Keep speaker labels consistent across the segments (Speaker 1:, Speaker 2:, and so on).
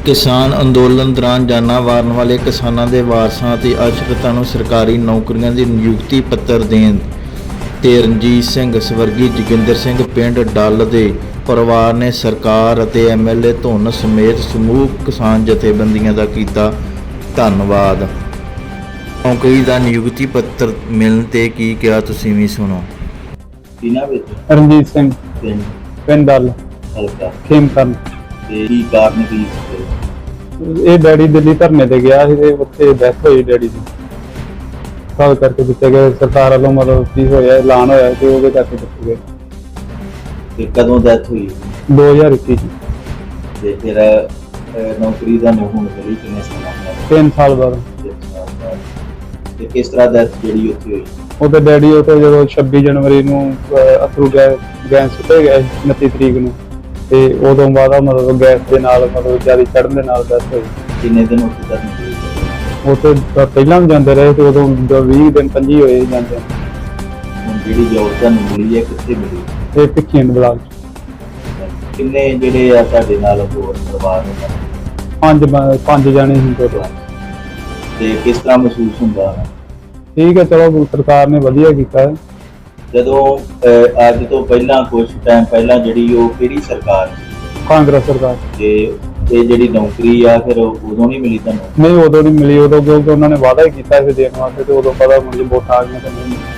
Speaker 1: ਕਿਸਾਨ ਅੰਦੋਲਨ ਦੌਰਾਨ ਜਾਨਾਂ ਵਾਰਨ ਵਾਲੇ ਕਿਸਾਨਾਂ ਦੇ ਵਾਰਸਾਂ ਅਤੇ ਆਸ਼ਰਿਤਾਂ ਨੂੰ ਸਰਕਾਰੀ ਨੌਕਰੀਆਂ ਦੀ ਨਿਯੁਕਤੀ ਪੱਤਰ ਦੇਣ ਤੇ ਰਣਜੀਤ ਸਿੰਘ ਸਵਰਗੀ ਜੋਗਿੰਦਰ ਸਿੰਘ ਪਿੰਡ ਡੱਲ ਦੇ ਪਰਿਵਾਰ ਨੇ ਸਰਕਾਰ ਅਤੇ ਐਮਐਲਏ ਧੁੰਨ ਸਮੇਤ ਸਮੂਹ ਕਿਸਾਨ ਜਥੇਬੰਦੀਆਂ ਦਾ ਕੀਤਾ ਧੰਨਵਾਦ। ਨੌਕਰੀ ਦਾ ਨਿਯੁਕਤੀ ਪੱਤਰ ਮਿਲਣ ਤੇ ਕੀ ਕਿਹਾ, ਤੁਸੀਂ ਵੀ ਸੁਣੋ।
Speaker 2: ਇਹਨਾਂ ਵਿੱਚ
Speaker 3: ਰਣਜੀਤ ਸਿੰਘ ਪਿੰਡ ਡੱਲ
Speaker 2: ਹਲਕਾ
Speaker 3: ਖੇਮਕਰਨ।
Speaker 2: ਤੇ ਕੀ ਕਾਰਨ ਕੀ ਸੀ?
Speaker 3: ਇਹ ਡੈਡੀ ਦਿੱਲੀ ਧਰਨੇ ਤੇ ਗਿਆ ਸੀ ਤੇ ਉੱਥੇ ਡੈਥ ਹੋਈ ਡੈਡੀ ਦੀ। ਕਾਲ ਕਰਕੇ ਦਿੱਤੇ ਗਏ ਸਰਕਾਰ ਵੱਲੋਂ, ਮਤਲਬ ਕੀ ਹੋਇਆ ਐਲਾਨ ਹੋਇਆ ਤੇ ਉਹਦੇ ਕਰਕੇ ਦਿੱਤੇ ਗਏ।
Speaker 2: ਤੇ ਕਦੋਂ ਡੈਥ ਹੋਈ?
Speaker 3: 2021 ਚ।
Speaker 2: ਤੇ ਫਿਰ ਨੌਕਰੀ ਦਾ ਨੂੰ ਹੁਣ ਮਿਲੀ ਕਿੰਨੇ ਸਾਲਾਂ ਬਾਅਦ?
Speaker 3: 3 ਸਾਲ ਬਾਅਦ।
Speaker 2: 3 ਸਾਲ ਬਾਅਦ। ਤੇ ਕਿਸ ਤਰ੍ਹਾਂ ਡੈਥ ਜਿਹੜੀ ਉੱਥੇ ਹੋਈ?
Speaker 3: ਉਹਦੇ ਡੈਡੀ ਉੱਥੇ ਜਦੋਂ 26 ਜਨਵਰੀ ਨੂੰ ਅਥਰੂ ਗੈਸ ਸੁੱਟੇ ਗਏ 29 ਤਰੀਕ ਨੂੰ, ਤੇ ਉਦੋਂ ਬਾਅਦ ਮਤਲਬ ਗੈਸ ਦੇ ਨਾਲ ਮਤਲਬ ਜ਼ਿਆਦਾ ਚੜ੍ਹਨ ਦੇ ਨਾਲ ਡੈਥ ਹੋਈ।
Speaker 2: ਕਿੰਨੇ ਦਿਨ ਉੱਥੇ ਤੱਕ ਮਿਲੀ?
Speaker 3: ਉੱਥੇ ਪਹਿਲਾਂ ਵੀ ਜਾਂਦੇ ਰਹੇ ਤੇ ਉਦੋਂ 20 ਦਿਨ 25 ਹੋਏ ਜਾਂਦੇ।
Speaker 2: ਹੁਣ ਜਿਹੜੀ ਜੋਬ ਤੁਹਾਨੂੰ ਮਿਲੀ ਹੈ ਕਿੱਥੇ ਮਿਲੀ?
Speaker 3: ਇਹ ਭਿੱਖੀਵਿੰਡ ਬਲਾਕ ਚ।
Speaker 2: ਕਿੰਨੇ ਜਿਹੜੇ ਆ ਤੁਹਾਡੇ ਨਾਲ ਹੋਰ ਪਰਿਵਾਰ ਨੇ?
Speaker 3: 5 ਜਾਣੇ ਸੀ ਟੋਟਲ।
Speaker 2: ਤੇ ਕਿਸ ਤਰ੍ਹਾਂ ਮਹਿਸੂਸ ਹੁੰਦਾ?
Speaker 3: ਠੀਕ ਹੈ, ਚਲੋ ਸਰਕਾਰ ਨੇ ਵਧੀਆ ਕੀਤਾ ਹੈ।
Speaker 2: ਜਦੋਂ ਅੱਜ ਤੋਂ ਪਹਿਲਾਂ ਕੁਝ ਟਾਈਮ ਪਹਿਲਾਂ ਜਿਹੜੀ ਉਹ ਕਿਹੜੀ ਸਰਕਾਰ ਸੀ?
Speaker 3: ਕਾਂਗਰਸ ਸਰਕਾਰ।
Speaker 2: ਤੇ ਇਹ ਜਿਹੜੀ ਨੌਕਰੀ ਆ ਫਿਰ ਉਦੋਂ ਨਹੀਂ ਮਿਲੀ ਤੁਹਾਨੂੰ?
Speaker 3: ਨਹੀਂ, ਉਦੋਂ ਨਹੀਂ ਮਿਲੀ। ਉਦੋਂ ਕਿਉਂਕਿ ਉਹਨਾਂ ਨੇ ਵਾਅਦਾ ਹੀ ਕੀਤਾ ਸੀ ਦੇਣ ਵਾਸਤੇ, ਤੇ ਉਦੋਂ ਪਤਾ ਮੁੜ ਕੇ ਵੋਟਾਂ ਆ ਗਈਆਂ ਤਾਂ ਨਹੀਂ ਮਿਲੀ।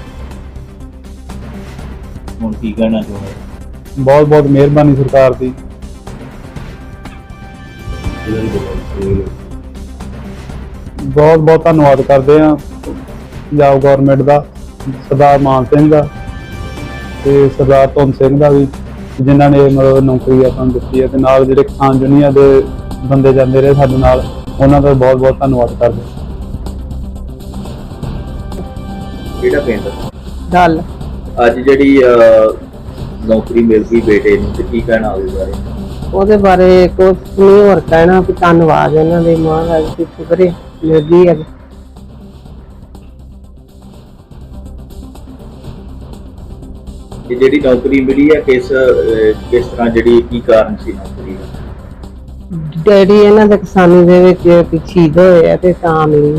Speaker 2: ਹੁਣ ਕੀ ਕਹਿਣਾ ਚਾਹੁੰਦੇ?
Speaker 3: ਬਹੁਤ ਬਹੁਤ ਮਿਹਰਬਾਨੀ ਸਰਕਾਰ ਦੀ। ਬਹੁਤ ਬਹੁਤ ਧੰਨਵਾਦ ਕਰਦੇ ਹਾਂ ਪੰਜਾਬ ਗੌਰਮੈਂਟ ਦਾ, ਸਰਦਾਰ ਮਾਨ ਸਿੰਘ ਦਾ ਤੇ ਸਰਦਾਰ ਧੁੰਨ ਸਿੰਘ ਦਾ ਵੀ, ਜਿਨ੍ਹਾਂ ਨੇ ਮਤਲਬ ਨੌਕਰੀ ਆਪਾਂ ਨੂੰ ਦਿੱਤੀ ਹੈ। ਤੇ ਨਾਲ ਜਿਹੜੇ ਕਿਸਾਨ ਯੂਨੀਅਨ ਦੇ ਬੰਦੇ ਜਾਂਦੇ ਰਹੇ ਸਾਡੇ ਨਾਲ, ਉਹਨਾਂ ਦਾ ਬਹੁਤ ਬਹੁਤ ਧੰਨਵਾਦ ਕਰਦੇ।
Speaker 2: ਕਿਹੜਾ ਪਿੰਡ?
Speaker 4: ਡੱਲ।
Speaker 2: ਅੱਜ ਜਿਹੜੀ ਨੌਕਰੀ ਮਿਲ ਗਈ ਬੇਟੇ ਨੂੰ, ਤੇ ਕੀ ਕਹਿਣਾ ਉਹਦੇ ਬਾਰੇ?
Speaker 4: ਉਹਦੇ ਬਾਰੇ ਕੁਝ ਨਹੀਂ ਹੋਰ ਕਹਿਣਾ ਵੀ ਧੰਨਵਾਦ ਇਹਨਾਂ ਦੇ, ਮਹਾਰਾਜ ਦੀ ਸ਼ੁਕਰੇ ਮਿਲ ਗਈ ਹੈ।
Speaker 2: ਇਹ ਜਿਹੜੀ ਨੌਕਰੀ ਮਿਲੀ ਹੈ ਕਿਸ ਤਰ੍ਹਾਂ, ਜਿਹੜੀ ਕੀ ਕਾਰਨ ਸੀ ਨੌਕਰੀ ਦਾ?
Speaker 4: ਡੈਡੀ ਇਹਨਾਂ ਦੇ ਕਿਸਾਨੀ ਦੇ ਵਿੱਚ ਸ਼ਹੀਦ ਹੋਏ ਆ ਤੇ ਤਾਂ ਮਿਲੀ।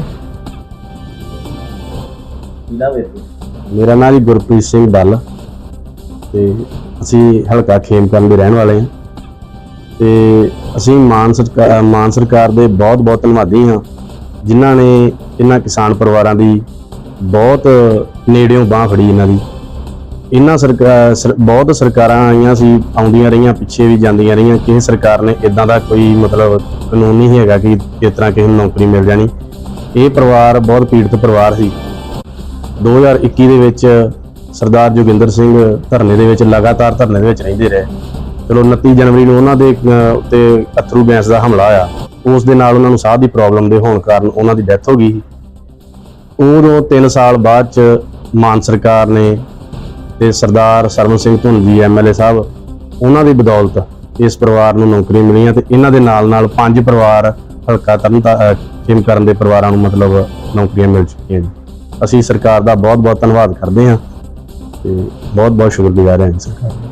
Speaker 2: ਕਿਹਦਾ ਵੇ?
Speaker 5: ਮੇਰਾ ਨਾਮ ਜੀ ਗੁਰਪ੍ਰੀਤ ਸਿੰਘ ਡੱਲ ਤੇ ਅਸੀਂ ਹਲਕਾ ਖੇਮਕਰਨ ਦੇ ਰਹਿਣ ਵਾਲੇ ਹਾਂ। ਤੇ ਅਸੀਂ ਮਾਨ ਸਰਕਾਰ ਦੇ ਬਹੁਤ ਬਹੁਤ ਧੰਨਵਾਦੀ ਹਾਂ, ਜਿਨ੍ਹਾਂ ਨੇ ਇਹਨਾਂ ਕਿਸਾਨ ਪਰਿਵਾਰਾਂ ਦੀ ਬਹੁਤ ਨੇੜਿਓਂ ਬਾਂਹ ਫੜੀ। ਇਹਨਾਂ ਬਹੁਤ ਸਰਕਾਰਾਂ ਆਈਆਂ ਸੀ, ਆਉਂਦੀਆਂ ਰਹੀਆਂ, ਪਿੱਛੇ ਵੀ ਜਾਂਦੀਆਂ ਰਹੀਆਂ। ਕਿਸੇ ਸਰਕਾਰ ਨੇ ਇਦਾਂ ਦਾ ਕੋਈ ਮਤਲਬ ਕਾਨੂੰਨ ਨਹੀਂ ਹੈਗਾ ਕਿ ਇਸ ਤਰ੍ਹਾਂ ਕਿਸੇ ਨੂੰ ਨੌਕਰੀ ਮਿਲ ਜਾਣੀ। ਇਹ ਪਰਿਵਾਰ ਬਹੁਤ ਪੀੜਤ ਪਰਿਵਾਰ ਸੀ। 2021 ਦੇ ਵਿੱਚ ਸਰਦਾਰ ਜੋਗਿੰਦਰ ਸਿੰਘ ਧਰਨੇ ਦੇ ਵਿੱਚ ਲਗਾਤਾਰ ਧਰਨੇ ਦੇ ਵਿੱਚ ਰਹਿੰਦੇ ਰਹੇ। ਚਲੋ 29 ਜਨਵਰੀ ਨੂੰ ਉਹਨਾਂ ਦੇ ਉੱਤੇ ਅਥਰੂ ਗੈਸ ਦਾ ਹਮਲਾ ਹੋਇਆ, ਉਸ ਦੇ ਨਾਲ ਉਹਨਾਂ ਨੂੰ ਸਾਹ ਦੀ ਪ੍ਰੋਬਲਮ ਦੇ ਹੋਣ ਕਾਰਨ ਉਹਨਾਂ ਦੀ ਡੈਥ ਹੋ ਗਈ। ਉਦੋਂ 3 ਸਾਲ ਬਾਅਦ ਚ ਮਾਨ ਸਰਕਾਰ ਨੇ ਤੇ ਸਰਦਾਰ ਸਰਵਨ ਸਿੰਘ ਧੁੰਨ ਜੀ ਐਮਐਲਏ ਸਾਹਿਬ, ਉਹਨਾਂ ਦੀ ਬਦੌਲਤ ਇਸ ਪਰਿਵਾਰ ਨੂੰ ਨੌਕਰੀ ਮਿਲੀਆਂ। ਤੇ ਇਹਨਾਂ ਦੇ ਨਾਲ ਨਾਲ 5 ਪਰਿਵਾਰ ਹਲਕਾ ਖੇਮਕਰਨ ਦੇ ਪਰਿਵਾਰਾਂ ਨੂੰ ਮਤਲਬ ਨੌਕਰੀਆਂ ਮਿਲ ਚੁੱਕੀਆਂ ਜੀ। ਅਸੀਂ ਸਰਕਾਰ ਦਾ ਬਹੁਤ ਬਹੁਤ ਧੰਨਵਾਦ ਕਰਦੇ ਹਾਂ ਤੇ ਬਹੁਤ ਬਹੁਤ ਸ਼ੁਕਰਗੁਜ਼ਾਰ ਹਾਂ ਸਰਕਾਰ ਦਾ।